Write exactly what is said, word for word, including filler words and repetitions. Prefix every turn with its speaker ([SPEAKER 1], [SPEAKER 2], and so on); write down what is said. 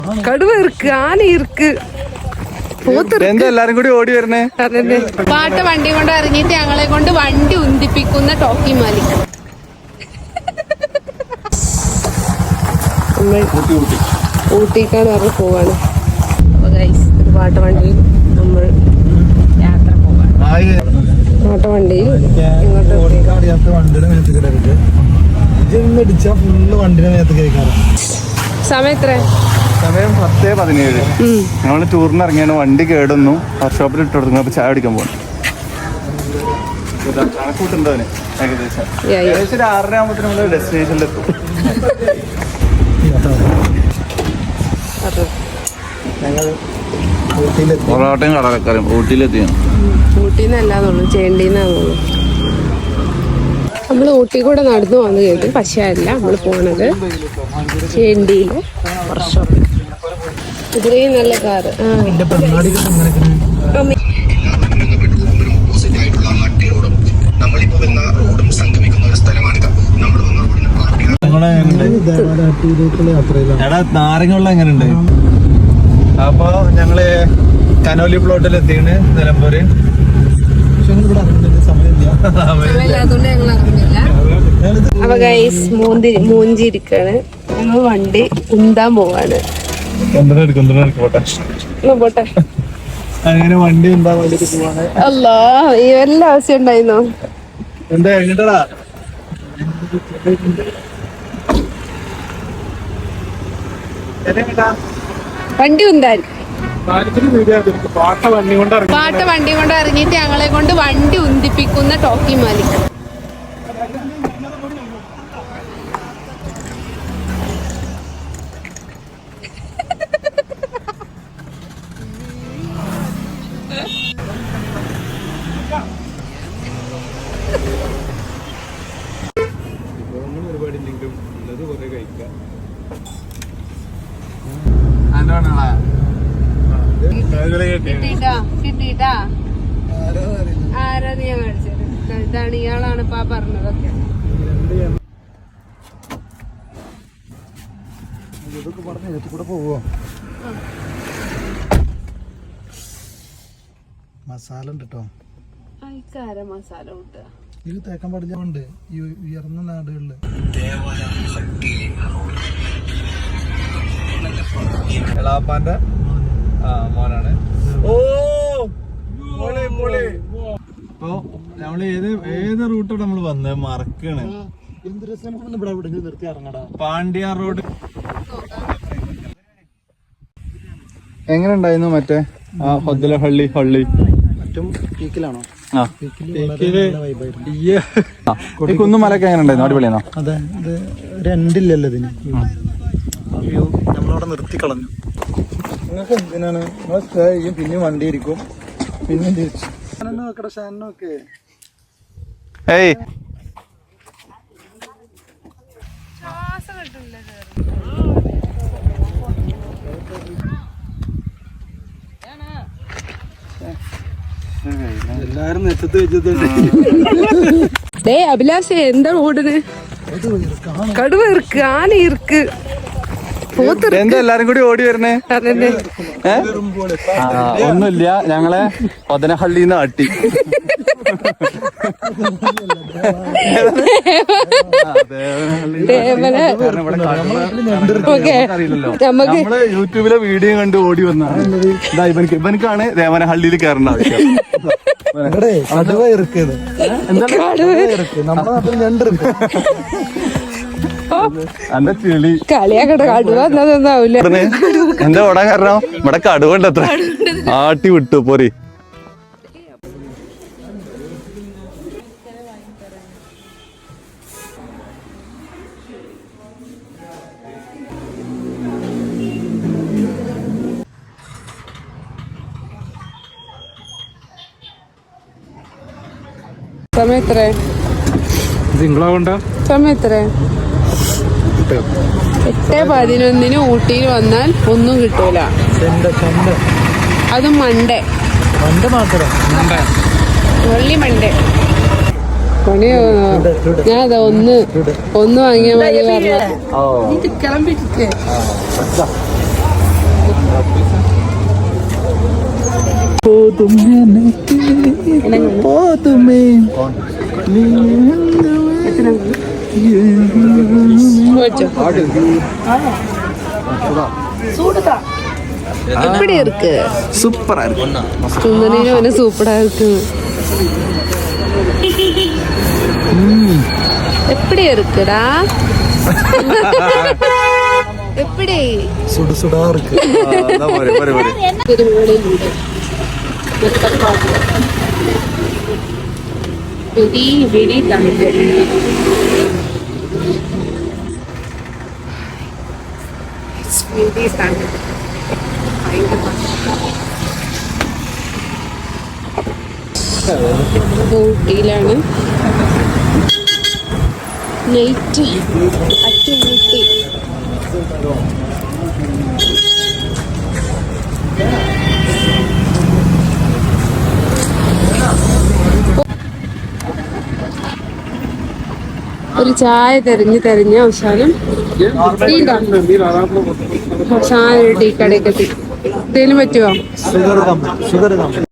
[SPEAKER 1] കടുവ ഇருக்கு, ആന ഇருக்கு,
[SPEAKER 2] എല്ലാരും കൂടി ഓടി വരണേ.
[SPEAKER 1] പാട്ട വണ്ടി കൊണ്ട് ഇറങ്ങിയിട്ട് ഞങ്ങളെ കൊണ്ട് വണ്ടി ഉന്തിപ്പിക്കുന്ന ടോക്കി മാലിക്. ഊട്ടിക്കാണ് പറഞ്ഞ് പോവാണ്. അപ്പൊ ഗൈസ് ഒരു പാട്ട വണ്ടിയിൽ നമ്മൾ യാത്ര പോവാണ്. പാട്ട വണ്ടിയിൽ സമയം എത്ര?
[SPEAKER 2] സമയം പത്തേ പതിനേഴ്. നമ്മള് ടൂറിന് ഇറങ്ങിയാണ്. വണ്ടി കേടുന്നു, വർക്ക്ഷോപ്പിൽ ഇട്ട് കൊടുക്കുന്നു. അപ്പൊ ചായ കുടിക്കാൻ പോകണം. കണക്കൂട്ടുണ്ടോന് ഏകദേശം ഏകദേശം ഒരു ആറര ആകുമ്പോഴത്തേനും നമ്മള് ഡെസ്റ്റിനേഷനിലെത്തും. പൊറോട്ടയും കടലക്കറിയും ഊട്ടിയിലെത്തിയാണ്.
[SPEAKER 1] ഊട്ടിന്നല്ലാന്നുള്ളു, ചേണ്ടീന്നാന്നുള്ളു. നമ്മൾ ഊട്ടി കൂടെ നടന്നു വന്നു കേട്ടു. പക്ഷേ അല്ല, നമ്മൾ പോണത് ചേണ്ടിയില് വർക്ക്ഷോപ്പ്. ഇത്രയും നല്ല കാറ്.
[SPEAKER 2] നാരങ്ങളുള്ള എങ്ങനെയുണ്ട്? അപ്പൊ ഞങ്ങള് കനോലി പ്ലോട്ടിൽ എത്തിയാണ് നിലമ്പൂര്.
[SPEAKER 1] അപ്പൊ ഗൈസ് മൂന്തി മൂഞ്ചിരിക്കാണ്. ഞങ്ങൾ വണ്ടി ഉന്താൻ പോവാണ്. പോട്ടെ
[SPEAKER 2] അങ്ങനെ വണ്ടി ഉണ്ടാ വേണ്ടിട്ട് പോവാണ്.
[SPEAKER 1] അല്ലാ, ഈ വല്ല ആവശ്യം ഉണ്ടായിരുന്നോ?
[SPEAKER 2] എന്താ എങ്ങട്ടാ
[SPEAKER 1] വണ്ടി ഉന്താൻ.
[SPEAKER 2] പാട്ട വണ്ടി കൊണ്ട്
[SPEAKER 1] പാട്ട വണ്ടി കൊണ്ട് ഇറങ്ങിയിട്ട് ഞങ്ങളെ കൊണ്ട് വണ്ടി ഉന്തിപ്പിക്കുന്ന ടോക്കി മാലിക്. കിട്ടിട്ടാ കിട്ടിട്ടാ ആരാ നീ മേടിച്ചത്? ഇതാണ്, ഇയാളാണ് ഇപ്പൊ പറഞ്ഞതൊക്കെ.
[SPEAKER 2] മസാല ഉണ്ട് കേട്ടോ.
[SPEAKER 1] മസാല കൂട്ടുക.
[SPEAKER 2] ഇത് തേക്കാൻ പാടില്ല. ഈ ഉയർന്ന നാടുകളില് എളാപ്പാന്റെ മോനാണ്. ഓ ഇപ്പൊ നമ്മള് ഏത് ഏത് റൂട്ടാണ് നമ്മള് വന്നത് മറക്കാണ്. പാണ്ഡ്യ റോഡ് എങ്ങനെ ഉണ്ടായിരുന്നു? മറ്റേ ആ ഹൊദ്ദല ഹള്ളി ഹള്ളി പീക്കിലാണോ? കുന്നുമലൊക്കെ എങ്ങനെ ഉണ്ടായിരുന്നു? അടിപൊളിയാണോ? അതെ, ഇത് രണ്ടില്ലല്ലോ ഇതിന്. അയ്യോ, നമ്മളവിടെ നിർത്തി കളഞ്ഞു. നിങ്ങൾക്ക് എന്തിനാണ്? നിങ്ങൾ സ്റ്റേ ചെയ്യും, പിന്നെ വണ്ടി ഇരിക്കും, പിന്നെ തിരിച്ചു. ഏയ് എല്ലാരും നെറ്റത്ത് വെച്ചത്.
[SPEAKER 1] അഭിലാഷ് എന്താ ഓടുന്നത്? കടുവ ഇருக்கு, ആന ഇருக்கு,
[SPEAKER 2] എന്താ എല്ലാരും കൂടി ഓടി വരണേ? ഒന്നുമില്ല, ഞങ്ങളെ പതനഹള്ളിന്ന് ആട്ടി. നമ്മള് യൂട്യൂബിലെ വീഡിയോ കണ്ട് ഓടി വന്നാണ്. ഇതാ ഇവനക്ക് ഇവനക്കാണ് ദേവനഹള്ളിയിൽ കയറേണ്ട ആവശ്യം. കടുവ ഇറക്കിയത് നമ്മുടെ നാട്ടിൽ ഞണ്ടിருக்கு.
[SPEAKER 1] കളിയാക്കട്ടെ, കടുവ എന്നാവില്ല.
[SPEAKER 2] എന്താ ഓടാൻ കാരണം? ഇവിടെ കടുവണ്ട് അത്ര. ആട്ടി വിട്ടു പോരി.
[SPEAKER 1] സമയം എത്ര? സമയം എത്ര? എട്ട് പതിനൊന്നിന് ഊട്ടിയിൽ വന്നാൽ ഒന്നും കിട്ടൂല. അതും മണ്ടേ വെള്ളി മണ്ടേ. ഞാൻ അതാ ഒന്ന് ഒന്ന് വാങ്ങിയാൽ മതി പറഞ്ഞു. எப்படி இருக்கு?
[SPEAKER 2] சூப்பரா இருக்கு.
[SPEAKER 1] சுந்தரியும் வந்து சூப்பரா இருக்கு. எப்படி இருக்குடா? எப்படி?
[SPEAKER 2] சுடு சுடா இருக்கு.
[SPEAKER 1] வெடி வெடி தண்ணி. ഊട്ടിയിലാണ് നൈറ്റ് അറ്റുമുട്ടി. ഒരു ചായ തെരഞ്ഞ് തെരഞ്ഞ അവസാനം അവസാനം ഒരു ടീ കടയൊക്കെ എത്തി. എന്തേലും പറ്റുമോ?